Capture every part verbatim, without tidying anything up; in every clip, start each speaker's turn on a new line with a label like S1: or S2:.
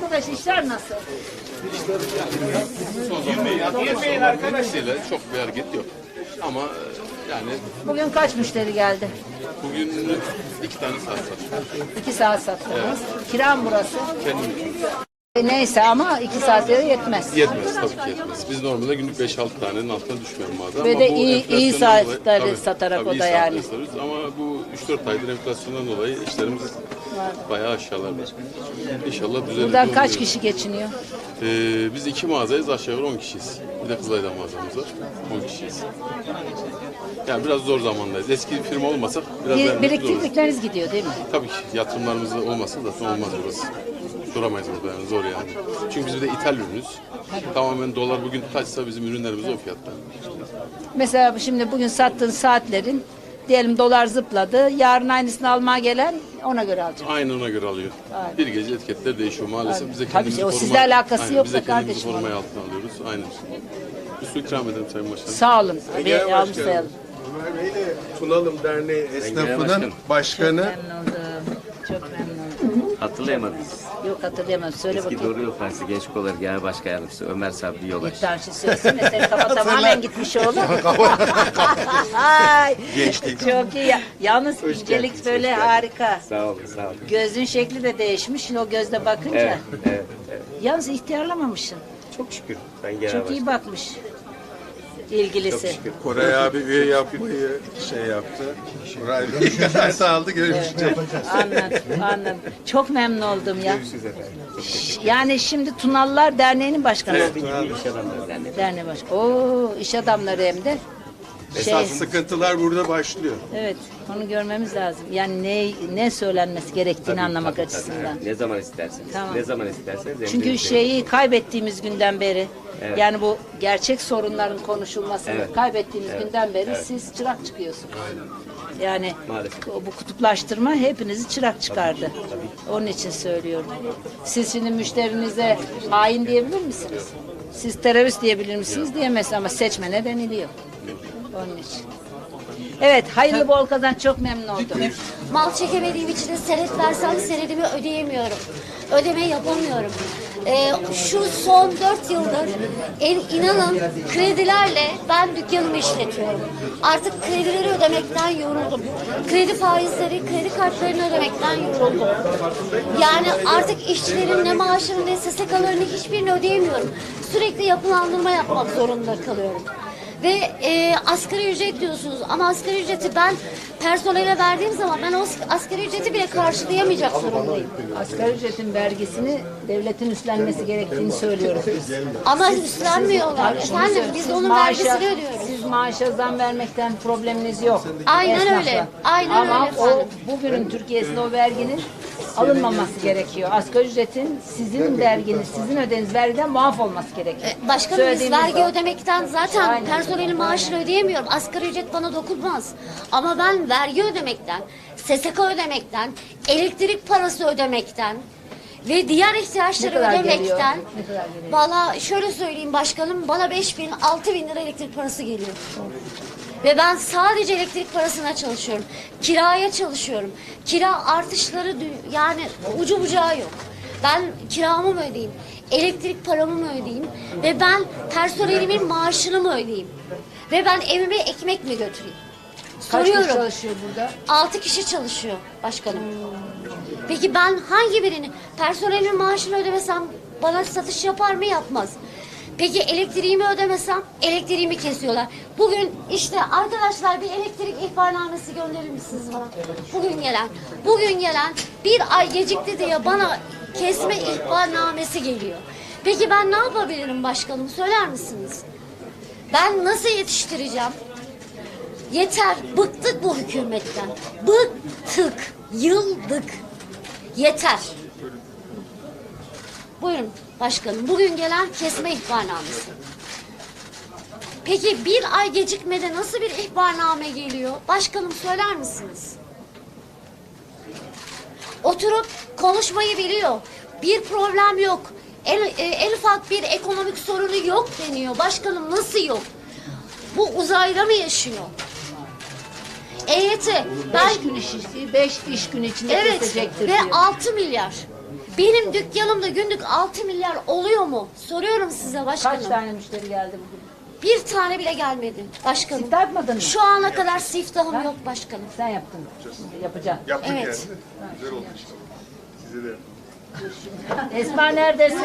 S1: arkadaş işler nasıl?
S2: Girmeyin arkadaşlarıyla çok bir hareket yok. Ama yani
S1: Bugün kaç müşteri geldi?
S2: bugün iki tane saat var.
S1: İki saat sattınız. Kira mı burası?
S2: Kendim
S1: E, neyse ama iki saatlere yetmez.
S2: yetmez tabii ki yetmez. Biz normalde günlük beş altı tanenin altına düşmeyelim bazen.
S1: Ve
S2: Ama
S1: de
S2: bu
S1: iyi-
S2: enflasyondan
S1: iyi
S2: dolayı-
S1: saatleri
S2: tabii,
S1: satarak
S2: tabii
S1: o
S2: iyi
S1: da
S2: saatleri
S1: yani.
S2: satıyoruz. Ama bu üç dört aydır enflasyondan dolayı işlerimiz bayağı aşağılarda. İnşallah düzelir.
S1: Buradan
S2: diye
S1: kaç
S2: umuyoruz.
S1: kişi geçiniyor?
S2: Ee, biz iki mağazayız, aşağı yukarı on kişiyiz. Bir de Kızılay'da mağazamız var. on kişiyiz. Yani biraz zor zamandayız. Eski bir firma olmasak biraz
S1: Bir,
S2: vermek zoruz.
S1: biriktirdikleriniz gidiyor değil mi?
S2: Tabii ki yatırımlarımız olmasa zaten olmaz burası. Duramayız burada yani zor yani. Çünkü biz bir de ithal ürünüz. Tamamen dolar bugün kaçsa bizim ürünlerimiz o fiyatta.
S1: Mesela şimdi bugün sattığın saatlerin diyelim dolar zıpladı. Yarın aynısını almaya gelen ona göre alacak.
S2: Aynen ona göre alıyor.
S1: Aynen.
S2: Bir gece etiketler değişiyor maalesef. Bize
S1: Tabii
S2: kendimizi
S1: ki, o
S2: koruma-
S1: sizle alakası
S2: Aynen,
S1: yok
S2: bize
S1: da
S2: kendimizi
S1: kardeşim.
S2: korumaya altına alıyoruz. Aynen. Bir su ikram edelim Sayın Başkanım.
S1: Sağ olun. Bir
S3: Genel
S1: almış
S3: Başkanım,
S1: sayalım.
S3: Ömer Bey de Tunalım Derneği esnafının
S2: başkanım.
S3: başkanı.
S1: Memnun oldum. Çok memnun oldum.
S4: Hatırlayamadınız.
S1: Yok hatırlayamam. Söyle
S4: Eski
S1: bakayım.
S4: Doğru Yol Partisi Genç Kolları Genel Başkan Yardımcısı Ömer Sabri Yolaş.
S1: Bir tane şey söylesene. Senin kafa tamamen gitmiş oğlum. Ay, çok iyi. Ya- Yalnız incelik
S4: geldiniz,
S1: böyle
S4: hoş geldiniz.
S1: harika.
S4: Sağ olun, sağ olun.
S1: Gözün şekli de değişmiş. Şimdi o gözle bakınca.
S4: Evet, evet, evet.
S1: Yalnız ihtiyarlamamışsın.
S4: Çok şükür. Ben genel
S1: Çok iyi
S4: başkanım.
S1: bakmış. İlgilisi.
S4: Çok şükür.
S3: Koray abi üye yapmayı şey yaptı. Koray dönüşünü aldı görüşecek.
S1: Anladım, anladım. Çok memnun oldum ya.
S4: Görüşürüz efendim.
S1: Yani şimdi Tunallar Derneği'nin başkanı.
S4: Evet, Tunal İş Adamları Derneği.
S1: Derneği başkanı. Oo, iş adamları hem de. Şey,
S3: Esas sıkıntılar burada başlıyor.
S1: evet, onu görmemiz lazım. Yani ne ne söylenmesi gerektiğini
S4: Tabii,
S1: anlamak
S4: tabii,
S1: açısından.
S4: tabii. Ne zaman isterseniz.
S1: Tamam.
S4: Ne zaman isterseniz.
S1: Çünkü
S4: emrinizdeyim.
S1: şeyi kaybettiğimiz günden beri,
S4: Evet.
S1: yani bu gerçek sorunların konuşulmasını
S4: Evet.
S1: kaybettiğimiz
S4: Evet.
S1: günden beri
S4: Evet.
S1: siz çırak çıkıyorsunuz. Yani
S4: Maalesef.
S1: o- bu kutuplaştırma hepinizi çırak çıkardı. Onun için söylüyorum. Siz şimdi müşterinize hain diyebilir misiniz? Siz terörist diyebilir misiniz? Diyemezsiniz ama seçmene deniliyor. Onun için. Evet, hayırlı bol kazanç, çok memnun oldum.
S5: Mal çekemediğim için de senet versem senedimi ödeyemiyorum. Ödeme yapamıyorum. Ee, şu son dört yıldır en, inanın kredilerle ben dükkanımı işletiyorum. Artık kredileri ödemekten yoruldum. Kredi faizleri, kredi kartlarını ödemekten yoruldum. Yani artık işçilerin ne maaşını ne S S K'larını hiçbirini ödeyemiyorum. Sürekli yapılandırma yapmak zorunda kalıyorum. Ve e, asgari ücret diyorsunuz ama asgari ücreti ben personele verdiğim zaman ben o asgari ücreti bile karşılayamayacak durumdayım.
S1: Asgari ücretin vergisini devletin üstlenmesi gerektiğini söylüyoruz biz.
S5: Ama üstlenmiyorlar.
S1: Onu
S5: Efendim
S1: söylüyorum.
S5: biz
S1: Siz
S5: onun
S1: maaşa-
S5: vergisini ödüyoruz.
S1: Siz maaşa zam vermekten probleminiz yok.
S5: Aynen
S1: Esnafla.
S5: öyle. Aynen
S1: Ama
S5: öyle
S1: o
S5: efendim.
S1: bugünün Türkiye'sinde o verginin alınmaması gerekiyor. Asgari ücretin sizin verginiz, sizin ödediğiniz vergiden muaf olması gerekiyor.
S5: Başkanım biz
S1: Söylediğimiz
S5: vergi
S1: o.
S5: ödemekten zaten
S1: Aynen.
S5: personelin maaşını ödeyemiyorum. Asgari ücret bana dokunmaz. Ama ben vergi ödemekten, S S K ödemekten, elektrik parası ödemekten ve diğer ihtiyaçları
S1: Ne kadar
S5: ödemekten
S1: geliyor? Ne kadar geliyor?
S5: valla şöyle söyleyeyim başkanım bana beş bin, altı bin lira elektrik parası geliyor. Ve ben sadece elektrik parasına çalışıyorum. Kiraya çalışıyorum. Kira artışları dü- yani ucu bucağı yok. Ben kiramı mı ödeyeyim? Elektrik paramı mı ödeyeyim? Ve ben personelimin maaşını mı ödeyeyim? Ve ben evime ekmek mi götüreyim?
S1: Kaç kişi
S5: Soruyorum.
S1: çalışıyor burada?
S5: Altı kişi çalışıyor başkanım. Peki ben hangi birini? Personelimin maaşını ödemesem bana satış yapar mı? Yapmaz. Peki elektriğimi ödemesem elektriğimi kesiyorlar. Bugün işte arkadaşlar bir elektrik ihbarnamesi gönderir misiniz bana? Bugün gelen, bugün gelen bir ay gecikti diye bana kesme ihbarnamesi geliyor. Peki ben ne yapabilirim başkanım? Söyler misiniz? Ben nasıl yetiştireceğim? Yeter, bıktık bu hükümetten. Bıktık, yıldık. Yeter. Buyurun başkanım, bugün gelen kesme ihbarnamesi. Peki bir ay gecikmede nasıl bir ihbarname geliyor? Başkanım söyler misiniz? Oturup konuşmayı biliyor. Bir problem yok. En, e, en ufak bir ekonomik sorunu yok deniyor. Başkanım nasıl yok? Bu uzayda mı yaşıyor? E Y T. Ben
S1: Beş gün iş, beş iş günü içinde
S5: evet
S1: kesecektir
S5: ve
S1: diyor.
S5: altı milyar. Benim dükkanımda günlük altı milyar oluyor mu? Soruyorum size başkanım.
S1: Kaç tane müşteri geldi bugün?
S5: Bir tane bile gelmedi başkanım.
S1: Siftah yapmadın mı?
S5: Şu ana kadar siftahım yok başkanım.
S1: Sen yaptın. Şimdi yapacaksın.
S3: Yaptık
S5: Evet.
S3: yani. Güzel oldu işte. Size de.
S1: Esma neredesin?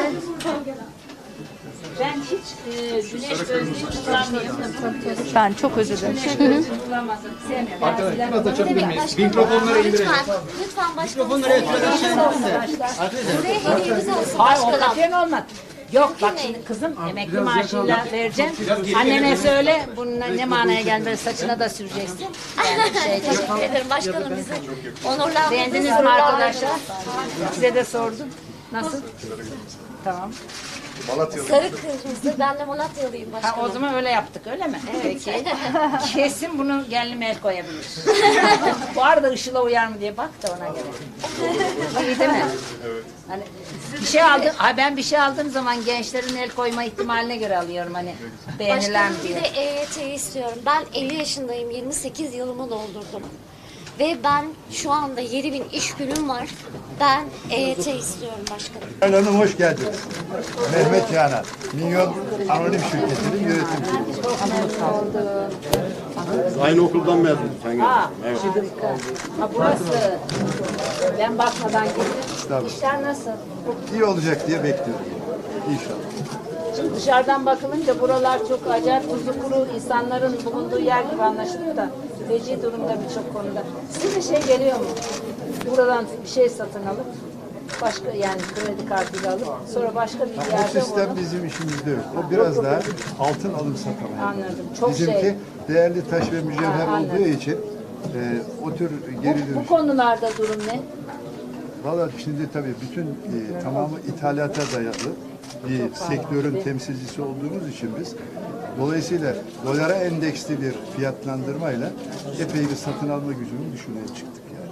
S1: Ben hiç e, güneş gözlüğü kullanmıyorum.
S6: Ben çok özür dilerim.
S1: Güneş gözlüğü kullanmasın. Sevmiyorum. Arkadaşlar biraz
S5: Ne demek başkanım? Mikrofonları indirelim. Lütfen, lütfen başkanım. Mikrofonları Buraya hediyemiz olsun
S1: Hayır o
S5: başkanım.
S1: katiyen olmaz. Yok bak
S5: Mümkün
S1: şimdi kızım emekli maaşıyla vereceğim. Annene söyle bunun ne manaya gelmez saçına da süreceksin. Yani şey,
S5: Teşekkür ederim başkanım bizi. Onurlandırdınız.
S1: beğendiniz mi arkadaşlar? Size de sordum. Nasıl? Tamam.
S3: Malatyalı.
S5: Sarı kırmızı. Ben de Malatyalıyım
S1: Ha,
S5: başkanım.
S1: o zaman öyle yaptık öyle mi? Peki. Kesin bunu gelin el koyabilir. Bu arada ışıla uyar mı diye bak da ona göre. İyi değil mi? Hani bir şey aldım, ha ben bir şey aldığım zaman gençlerin el koyma ihtimaline göre alıyorum hani beğenilen
S5: Başkanım bir
S1: diye.
S5: de E Y T istiyorum. Ben elli yaşındayım. yirmi sekiz yılımı doldurdum. Ve ben şu anda yedi bin iş günüm var. Ben E Y T istiyorum başkanım.
S7: Sayın Hanım hoş geldiniz. Mehmet Canan, Minyon Anonim Şirketi'nin yönetimcisi.
S8: Aynı okuldan mezunuz sen
S1: Ha,
S8: Evet.
S1: harika. Ha burası. Ben bakmadan girdim.
S7: Tabii.
S1: İşler nasıl?
S7: İyi olacak diye bekliyorum. İnşallah.
S1: Şimdi dışarıdan bakılınca buralar çok acayip tuzu kuru insanların bulunduğu yer gibi anlaşılıyor da feci durumda birçok konuda. Size şey geliyor mu? Buradan bir şey satın alıp başka yani kredi kartıyla alıp sonra başka bir
S7: O
S1: yerde
S7: sistem
S1: onu
S7: bizim işimizde yok. O biraz daha altın alım satama.
S1: Anladım. Çok
S7: Bizimki
S1: şey.
S7: değerli taş ve mücevher
S1: Ha, anladım.
S7: olduğu için e, o tür geri
S1: bu, bu
S7: dönüş.
S1: konularda durum ne?
S7: Valla şimdi tabii bütün e, tamamı ithalata dayalı bir sektörün temsilcisi olduğumuz için biz dolayısıyla dolara endeksli bir fiyatlandırmayla epey bir satın alma gücünü düşünmeye çıktık yani.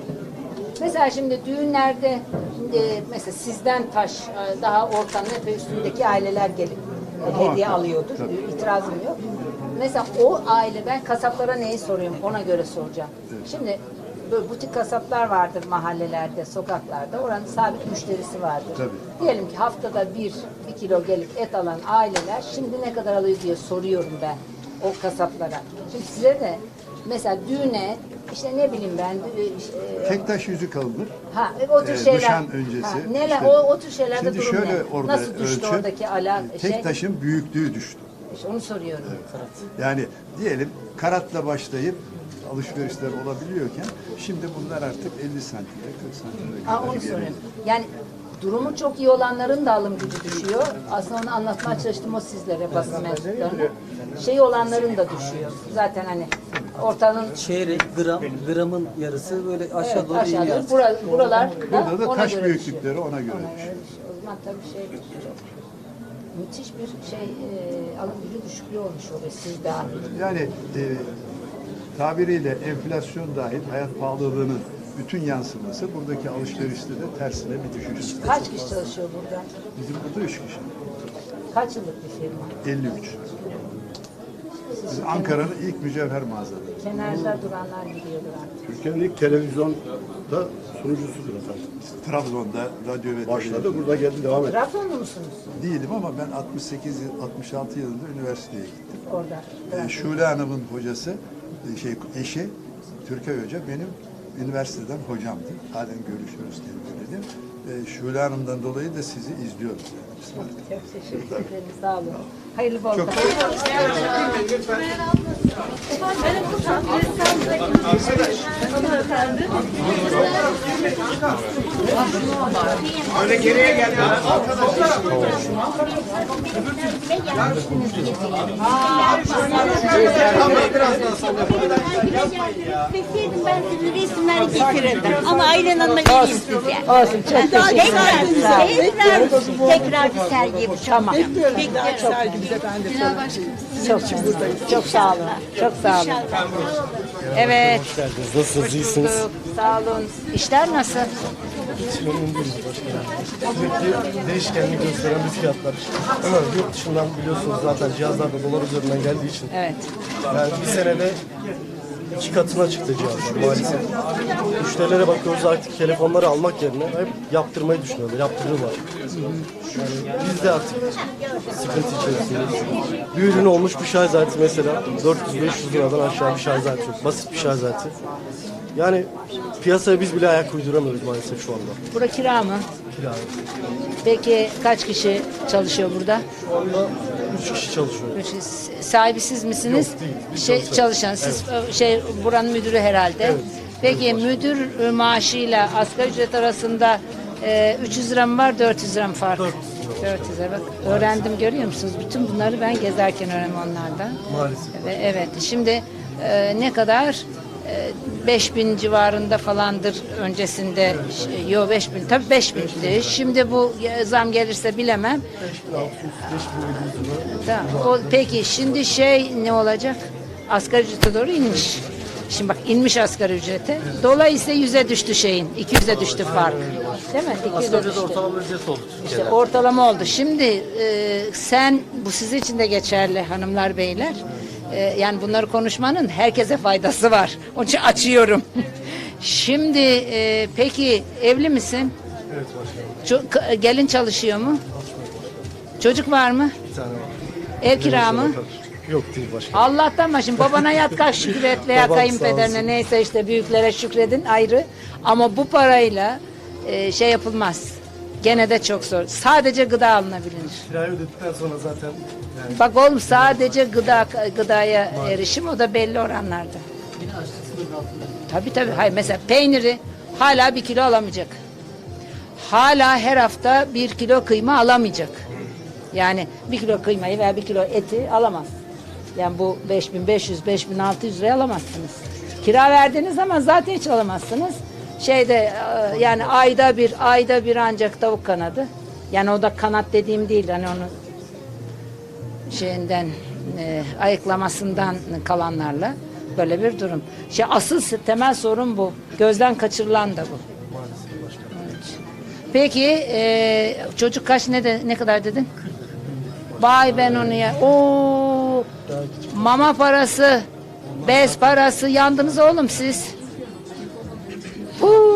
S1: Mesela şimdi düğünlerde e, mesela sizden taş e, daha ortanın epey üstündeki aileler gelip e, hediye alıyordur.
S7: Tabii.
S1: İtirazım yok. Mesela o aile ben kasaplara neyi soruyorum ona göre soracağım. Şimdi böyle butik kasaplar vardır mahallelerde, sokaklarda. Oranın sabit müşterisi vardır.
S7: Tabii.
S1: Diyelim ki haftada bir, bir kilo gelip et alan aileler şimdi ne kadar alıyor diye soruyorum ben o kasaplara. Şimdi size de mesela düğüne işte ne bileyim ben e,
S7: Tek taş yüzük alınır.
S1: Ha, o tür
S7: Ee,
S1: şeyler.
S7: nişan öncesi.
S1: Ha, neler,
S7: işte-
S1: o, o tür şeylerde
S7: Şimdi
S1: durum
S7: şöyle
S1: ne?
S7: orada
S1: Nasıl düştü
S7: ölçü,
S1: oradaki ala
S7: tek
S1: şey?
S7: taşın büyüklüğü düştü.
S1: İşte onu soruyorum.
S7: Yani diyelim karatla başlayıp alışverişler olabiliyorken şimdi bunlar artık elli santimde kırk santimde
S1: Ha,
S7: kadar
S1: onu
S7: geri.
S1: soruyorum. Yani durumu çok iyi olanların da alım gücü düşüyor. Aslında onu anlatmaya çalıştım o sizlere basın mensuplarına. Şey olanların da düşüyor. Zaten hani ortanın
S9: Çeyrek, gram, gramın yarısı böyle aşağı
S1: evet,
S9: doğru iniyor.
S1: aşağıda bura, buralar
S7: Burada da
S1: ona
S7: taş
S1: göre
S7: büyüklükleri
S1: düşüyor.
S7: ona göre
S1: Ona
S7: düşüyor.
S1: düşüyor. O zaman tabii şey çok müthiş bir şey e, alım gücü düşüklüğü olmuş oluyor siz dahil.
S7: Yani e, tabiriyle enflasyon dahil hayat pahalılığının bütün yansıması buradaki alışverişte de tersine bir düşüş.
S1: Kaç kişi çalışıyor burada?
S7: Bizim burada üç kişi.
S1: Kaç yıllık bir firma?
S7: elli üç. Biz Ankara'nın ilk mücevher mağazaları.
S1: Kenarda duranlar gidiyordur artık.
S8: Türkiye'nin ilk televizyonda sunucusudur efendim.
S7: Trabzon'da radyo ve
S8: Başladı,
S7: televizyon.
S8: burada geldi, devam etti.
S1: Trabzonlu musunuz?
S7: Değilim ama ben altmış sekiz yıl, altmış altı yılında üniversiteye gittim.
S1: Orada.
S7: Ee, Şule Hanım'ın hocası, e, şey eşi Türkay Hoca benim üniversiteden hocamdı. Halen görüşürüz kendileriyle. Ee, Şule Hanım'dan dolayı da sizi izliyoruz. Yani. Biz var.
S1: Çok teşekkür ederim. Sağ olun. Hayırlı bol.
S7: Çok
S10: İsteseydim ben size resimleri getirirdim. Ama Aylan Hanım'a geleyim size.
S1: Olsun. Çok
S10: Tekrar,
S1: teşekkür ederim.
S10: tekrar, tekrar bir sergi yapacağım.
S1: Tamam.
S10: Bekliyorum.
S1: Çok çok sağ olun. Çok sağ olun. Evet.
S8: Nasılsınız, iyisiniz?
S1: Bulduk. Sağ olun. İşler nasıl?
S8: Sürekli değişkenlik gösteren bir fiyatlar. Ama yurt dışından biliyorsunuz zaten cihazlar da dolar üzerinden geldiği için.
S1: Evet.
S8: Yani bir senede iki katına çıktı cihazlar maalesef. Müşterilere bakıyoruz artık telefonları almak yerine hep yaptırmayı düşünüyorlar, yaptırıyorlar. Yani biz de artık sıkıntı içerisindeyiz. Bir ürün olmuş bir şarj aleti mesela dört yüz beş yüz liradan aşağı bir şarj aleti yok. Basit bir şarj aleti. Yani piyasaya biz bile ayak uyduramıyoruz maalesef şu anda.
S1: Bura kira mı?
S8: Kira.
S1: Peki kaç kişi çalışıyor burada?
S8: Şu anda üç kişi çalışıyor.
S1: Üç kişi. Sahibi siz misiniz?
S8: Yok, değil. Biz
S1: Şey,
S8: çalışan.
S1: çalışan. Siz e, şey buranın müdürü herhalde.
S8: Evet.
S1: Peki müdür e, maaşıyla asgari ücret arasında e, üç yüz lira mı var, dört yüz lira mı fark?
S8: dört yüz lira.
S1: dört yüz lira. Bak öğrendim, görüyor musunuz? Bütün bunları ben gezerken öğrendim onlardan.
S8: Maalesef.
S1: Ve evet. Şimdi e, ne kadar? E, beş bin civarında falandır öncesinde. Ş- Yo beş bin. Tabii beş bindi. Şimdi bu e, zam gelirse bilemem.
S8: beş bin altı yüz, beş bin yedi yüz lira.
S1: Tamam. O, peki şimdi şey ne olacak? Asgari ücrete doğru inmiş. Şimdi bak inmiş asgari ücrete. Dolayısıyla yüze düştü şeyin. iki yüze düştü fark. Değil mi? iki yüze düştü.
S8: Ortalama ücret oldu.
S1: İşte ortalama oldu. Şimdi e, sen bu sizin için de geçerli hanımlar beyler. E, yani bunları konuşmanın herkese faydası var. Onun için açıyorum. Şimdi e, peki evli misin?
S8: Evet başkanım.
S1: Ço- gelin çalışıyor mu? Çocuk var mı?
S8: Bir tane var.
S1: Ev kira mı?
S8: Yok değil başkanım.
S1: Allah'tan başım babana yat kalk şükür et veya
S8: Babam sağ
S1: kayınpederine
S8: olsun.
S1: neyse işte büyüklere şükredin ayrı. Ama bu parayla e, şey yapılmaz. Gene de çok zor. Sadece gıda alınabilir.
S8: Kirayı ödedikten sonra zaten yani
S1: Bak oğlum sadece gıda gıdaya erişim o da belli oranlarda. Tabii tabii. Hayır mesela peyniri hala bir kilo alamayacak. Hala her hafta bir kilo kıyma alamayacak. Yani bir kilo kıymayı veya bir kilo eti alamaz. Yani bu beş bin beş yüz beş bin altı yüz liraya alamazsınız. Kira verdiğiniz zaman zaten hiç alamazsınız. Şeyde e, yani ayda bir ayda bir ancak tavuk kanadı. Yani o da kanat dediğim değil hani onu şeyinden e, ayıklamasından kalanlarla böyle bir durum. Şey asıl temel sorun bu. Gözden kaçırılan da bu. Evet. Peki e, çocuk kaç ne de, ne kadar dedin? Vay ben onu ya. Oo, mama parası, bez parası yandınız oğlum siz. Huu.